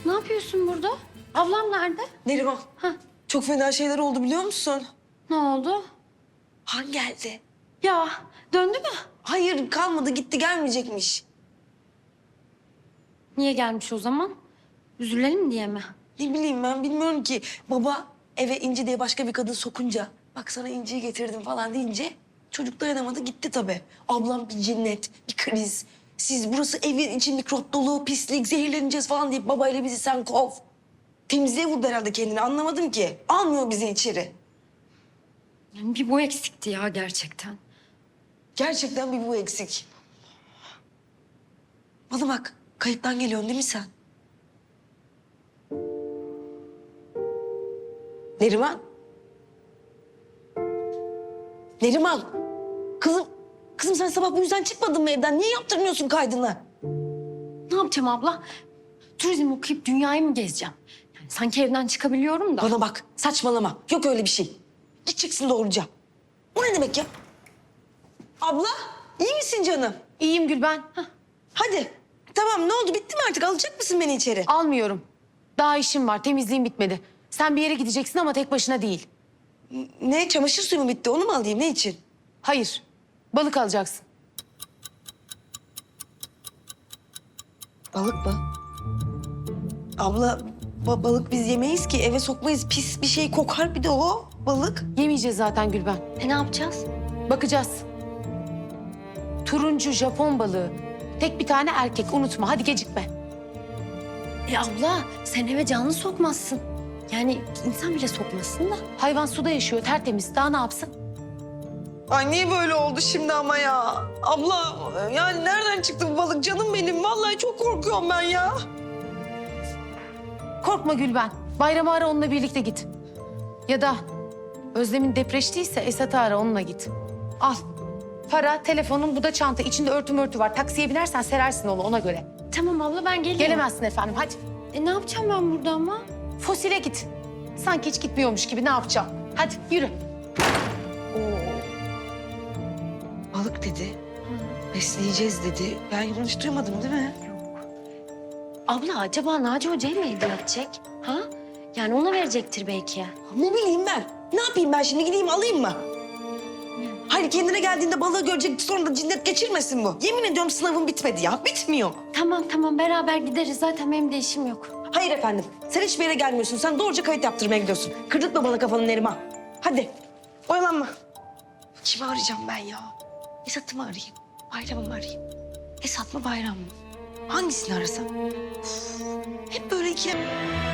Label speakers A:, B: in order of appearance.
A: Ne yapıyorsun burada? Ablam nerede?
B: Neriman,
A: Hah,
B: çok fena şeyler oldu biliyor musun?
A: ne oldu?
B: Han geldi.
A: Ya döndü mü?
B: Hayır, kalmadı, gitti, gelmeyecekmiş.
A: Niye gelmiş o zaman? Üzülelim diye mi?
B: Ne bileyim ben, bilmiyorum ki. Baba eve İnci diye başka bir kadın sokunca... ...bak sana İnci'yi getirdim falan deyince... ...çocuk dayanamadı, gitti tabii. Ablam bir cinnet, bir kriz. Siz burası evin içi mikrop dolu, pislik, zehirleneceğiz falan deyip... ...babayla bizi sen kov. Temizliğe vurdu herhalde kendini, anlamadım ki. Almıyor bizi içeri.
A: Yani bir bu eksikti ya gerçekten.
B: Gerçekten bir bu eksik. Bana bak, kayıttan geliyorsun değil mi sen? Neriman. Neriman. Kızım, kızım sen sabah bu yüzden çıkmadın mı evden? Niye yaptırmıyorsun kaydını?
A: Ne yapacağım abla? Turizm okuyup dünyayı mı gezeceğim? Yani sanki evden çıkabiliyorum da.
B: Bana bak, saçmalama. Yok öyle bir şey. Git çıksın doğruca. O ne demek ya? Abla, iyi misin canım?
C: İyiyim Gülben.
B: Hadi. Tamam, ne oldu? Bitti mi artık? Alacak mısın beni içeri?
C: Almıyorum. Daha işim var. Temizliğim bitmedi. Sen bir yere gideceksin ama tek başına değil.
B: Ne? Çamaşır suyu mu bitti? Onu mu alayım? Ne için?
C: Hayır. Balık alacaksın.
B: Balık mı? Abla, balık biz yemeyiz ki. Eve sokmayız. Pis bir şey kokar bir de o balık.
C: Yemeyeceğiz zaten Gülben.
A: Ne yapacağız?
C: Bakacağız. Turuncu Japon balığı. Tek bir tane erkek. Unutma. Hadi gecikme.
A: Abla sen eve canlı sokmazsın. Yani insan bile sokmazsın da.
C: Hayvan suda yaşıyor. Tertemiz. Daha ne yapsın?
B: Ay niye böyle oldu şimdi ama ya? Abla yani nereden çıktı bu balık canım benim? Vallahi çok korkuyorum ben ya.
C: Korkma Gülben. Bayramı ara onunla birlikte git. Ya da Özlem'in depreştiyse Esat'ı ara onunla git. Al. Para, telefonun, bu da çanta. İçinde örtü var. Taksiye binersen serersin onu ona göre.
A: Tamam abla ben geliyorum.
C: Gelemezsin efendim. Hadi.
A: Ne yapacağım ben burada ama?
C: Fosile git. Sanki hiç gitmiyormuş gibi ne yapacağım? Hadi yürü.
B: Balık dedi. Besleyeceğiz dedi. Ben yanlış duymadım değil mi?
A: Abla acaba Naci Hoca'ya mı hediye edecek? Ha? Yani ona verecektir belki.
B: Ne bileyim ben. Ne yapayım ben şimdi? Gideyim alayım mı? Hayır kendine geldiğinde balığı görecek sonra da cinnet geçirmesin bu. Yemin ediyorum sınavım bitmedi ya. Bitmiyor.
A: Tamam beraber gideriz. Zaten benim de işim yok.
B: Hayır efendim. Sen hiçbir yere gelmiyorsun. Sen doğruca kayıt yaptırmaya gidiyorsun. Kırdırtma bana kafanı Neriman. Hadi. Oyalanma. Kimi arayacağım ben ya? Esat'ı mı arayayım? Bayram'ı mı arayayım? Esat mı Bayram mı? Hangisini arasam? Üf, hep böyle ikilem...